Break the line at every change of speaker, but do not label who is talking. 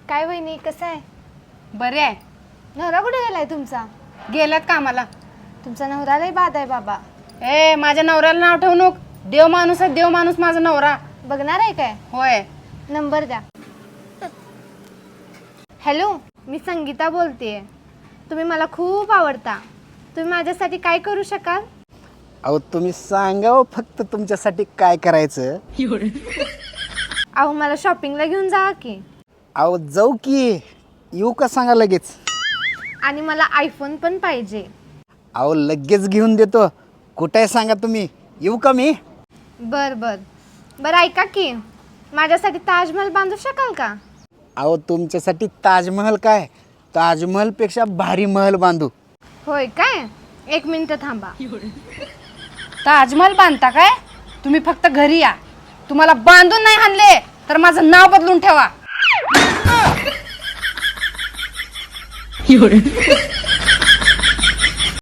काय वहिनी कसं आहे?
बरे आहे.
नवरा कुठे गेलाय तुमचा?
गेल्यात कामाला.
तुमचा नवरा लय बाद आहे बाबा.
ए माझ्या नवऱ्याला नाव ठेवू नको. देव माणूस आहे, देव माणूस माझा नवरा.
बघणार आहे काय?
होय.
नंबर द्या. हॅलो, मी संगीता बोलतेय. तुम्ही मला खूप आवडता. तुम्ही माझ्यासाठी काय करू शकाल?
अहो तुम्ही सांगा फक्त तुमच्यासाठी काय करायचं.
अहो मला शॉपिंगला घेऊन जा की.
अहो जाऊ की, येऊ का सांगा लगेच.
आणि मला आयफोन पण पाहिजे.
अहो लगेच घेऊन देतो. कुठे आहे सांगा तुम्ही, येऊ का मी.
बर बर बर ऐका की, माझ्यासाठी ताजमहल बांधू शकाल का?
अहो तुमच्यासाठी ताजमहल काय, ताजमहलपेक्षा भारी महल बांधू.
होय काय? 1 मिनिट थांबा.
ताजमहल बांधता काय? तुम्ही फक्त घरी या. तुम्हाला बांधून नाही आणले तर माझं नाव बदलून ठेवा.